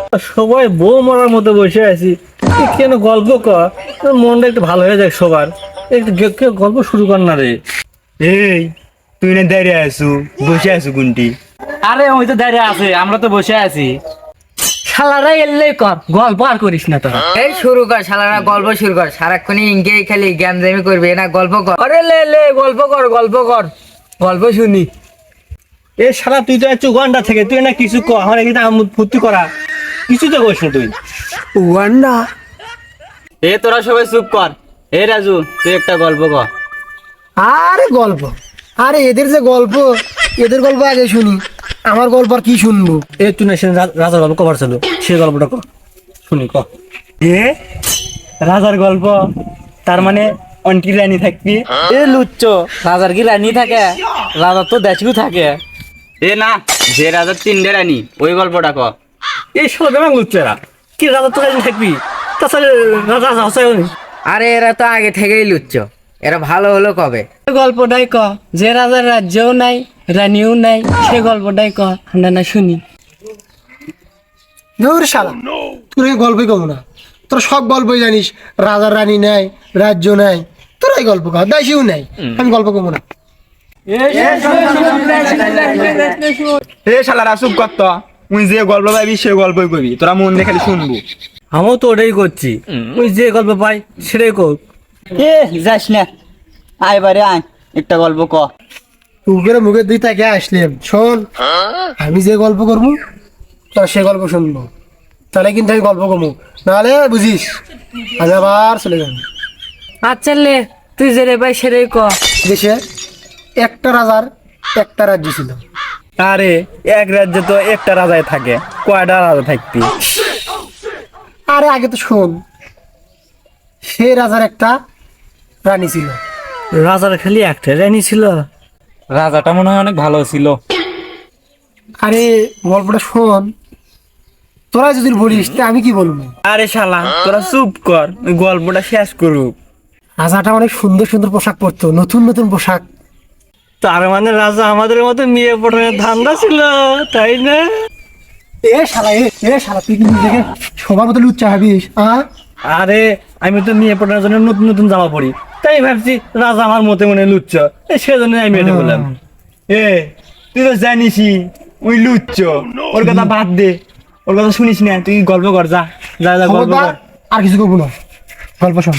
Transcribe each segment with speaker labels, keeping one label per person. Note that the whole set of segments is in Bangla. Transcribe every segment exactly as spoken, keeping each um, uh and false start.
Speaker 1: সবাই বউ মরার মতো বসে আছি, এ কেন গল্প কর, তোর মনটা একটু ভালো হয়ে যায় সবার। একটু গে- গে- গল্প শুরু কর না রে।
Speaker 2: এই তুই না দাঁড়িয়ে আছু, বসে আছু কোনটি?
Speaker 1: আরে ওই তো দাঁড়িয়ে আছে, আমরা তো বসে আছি। শালারা এলেই কর, গল্প আর করিস না তোরা।
Speaker 3: এই শুরু কর শালারা, গল্প শুরু কর। সারাক্ষণই ইনকেই খালি জ্ঞান জামি করবে না, গল্প কর।
Speaker 1: আরে লে লে গল্প কর, গল্প কর, গল্প শুনি। এ শালা তুই তো একটু ঘন্টা থেকে তুই না কিছু কর, আমার এখানে আমোদ ফুর্তি করা কিছু তো করিস না তুই।
Speaker 3: ওয়ান্ডা
Speaker 2: এ তোরা সবাই চুপ কর। এ রাজু, তুই একটা গল্প কর।
Speaker 4: আরে গল্প, আরে এদের যে গল্প, এদের গল্প আগে শুনি, আমার গল্প আর কি শুনবো?
Speaker 1: এ তুই না সে রা- রাজার গল্প কবার ছিল, সে গল্পটা কর শুনি ক।
Speaker 2: এ রাজার গল্প, তার মানে অন্টি রানী থাকবি?
Speaker 1: এ লুচ্চ, রাজার কি রানী থাকে? রাজার তো দেশও থাকে।
Speaker 2: এ না, যে রাজার তিনটে রানী, ওই গল্পটা কর।
Speaker 1: এই শালা বেমাং লুচ্চেরা, কি রাজার তো রানী থাকবি? তাছাড়া রাজা রাজা আছে নি।
Speaker 3: আরে এরা তো আগে থেকেই লুচ্ছ, এরা ভালো হলো কবে?
Speaker 5: গল্পটাই ক, যে রাজার রাজ্যও নাই রানীও নাই, সে গল্পটাই ক, আমরা না শুনি।
Speaker 4: ধুর শালা, তোর গল্পই কম না, তোরা সব গল্পই জানিস, রাজার রানী নাই, রাজ্য নাই, তোরাই গল্প কর, দাসিও নাই, আমি গল্প কমো না।
Speaker 2: এ শালারা চুপ কর তো, তুই যে গল্প পাবি সে গল্পই কবি, তোরা মন দিয়ে খালি শুনবো।
Speaker 1: আমিও তো ওটাই করছি, তুই যে গল্প পাই সেটাই কর।
Speaker 2: এ যাস না, আয় বারে আয়, একটা গল্প ক।
Speaker 4: উপরে মুখের দুই তাকে আসলাম, শোন, আমি যে গল্প করবো তোর সে গল্প শুনবো, তাহলে কিন্তু আমি গল্প কমু, নাহলে বুঝিস আমি আবার চলে যাবো।
Speaker 5: আচ্ছা লে, তুই যে রে ভাই সেটাই ক।
Speaker 4: দেশে একটা রাজার একটা রাজ্য ছিল।
Speaker 2: আরে এক রাজ্যে তো একটা রাজাই থাকে, কয়টা রাজা থাকবি?
Speaker 4: আরে আগে তো শোন, সে রাজার একটা রানী ছিল।
Speaker 1: রাজার খালি একটা রানী ছিল?
Speaker 2: রাজাটা মনে হয় অনেক ভালো ছিল।
Speaker 4: আরে গল্পটা শোন, তোরা যদি বলিস তা আমি কি বলবো?
Speaker 2: আরে শালা তোরা চুপ কর, ওই গল্পটা শেষ করুক।
Speaker 4: রাজাটা অনেক সুন্দর সুন্দর পোশাক পরতো, নতুন নতুন পোশাক।
Speaker 1: তার মানে রাজা আমাদের মতো মেয়ে পটানোর ধান্দা ছিল, তাই না?
Speaker 4: এ শালা, এ এ শালা, তুই কিন্তু দেখে সবার মতো লুচ্চা ভাবিস? আহ
Speaker 1: আরে আমি তো মেয়ে পটানোর জন্য নতুন নতুন জামা পরি, তাই ভাবছি রাজা আমার মতে মনে লুচ্ছ, এই সেজন্য আমি এটা বললাম।
Speaker 2: এ তুই তো জানিসই ওই লুচ্চ, ওর কথা বাদ দে, ওর কথা শুনিস না, তুই গল্প কর, যা যা যা গল্প
Speaker 4: খবরদার,
Speaker 2: কর।
Speaker 4: আর কিছু করবো না, গল্প শোন।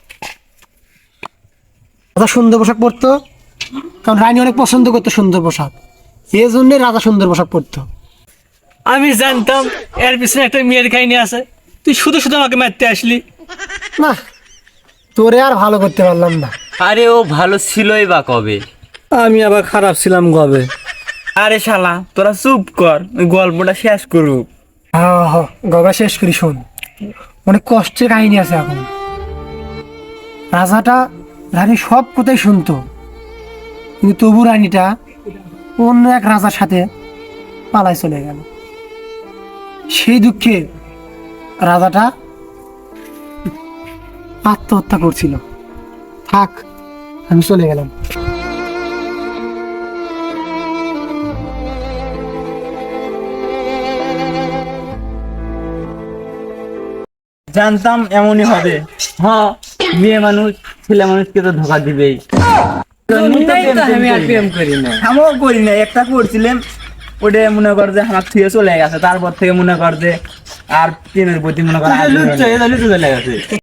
Speaker 4: রাজা সুন্দর পোশাক পরতো, কারণ রানী অনেক পছন্দ করতো সুন্দর পোশাক, এই জন্যে রাজা সুন্দর পোশাক পরতো।
Speaker 1: আমি জানতাম এর পিছনে একটা মেয়ের কাহিনী আছে, তুই শুধু শুধু আমাকে মারতে আসলি।
Speaker 4: না, তোরে আর ভালো করতে পারলাম না।
Speaker 2: আরে ও ভালো ছিলই বা কবে?
Speaker 1: আমি আবার খারাপ ছিলাম কবে?
Speaker 2: আরে শালা তোরা চুপ কর, ওই গল্পটা শেষ করুক।
Speaker 4: হ্যাঁ হ্যাঁ, গল্প শেষ করি, শোন, অনেক কষ্টের কাহিনী আছে এখন। রাজাটা রানী সব কথাই শুনতো, কিন্তু তবু রানীটা অন্য এক রাজার সাথে পালায় চলে গেল। সেই দুঃখে রাজাটা আত্মহত্যা করছিল। থাক, আমি চলে গেলাম।
Speaker 2: জানতাম এমনই হবে। হ্যাঁ, মেয়ে মানুষ ছেলে মানুষকে তো ধোকা দিবেই।
Speaker 5: জন্যই তো আমি আর প্রেম করি না।
Speaker 2: আমিও করি না, একটা করছিলাম, ওটা মনে কর যে আমার থুয়ে চলে গেছে, তারপর থেকে মনে কর যে আর প্রেমের প্রতি মনে কর আগ্রহ নেই।
Speaker 1: চলে গেছে।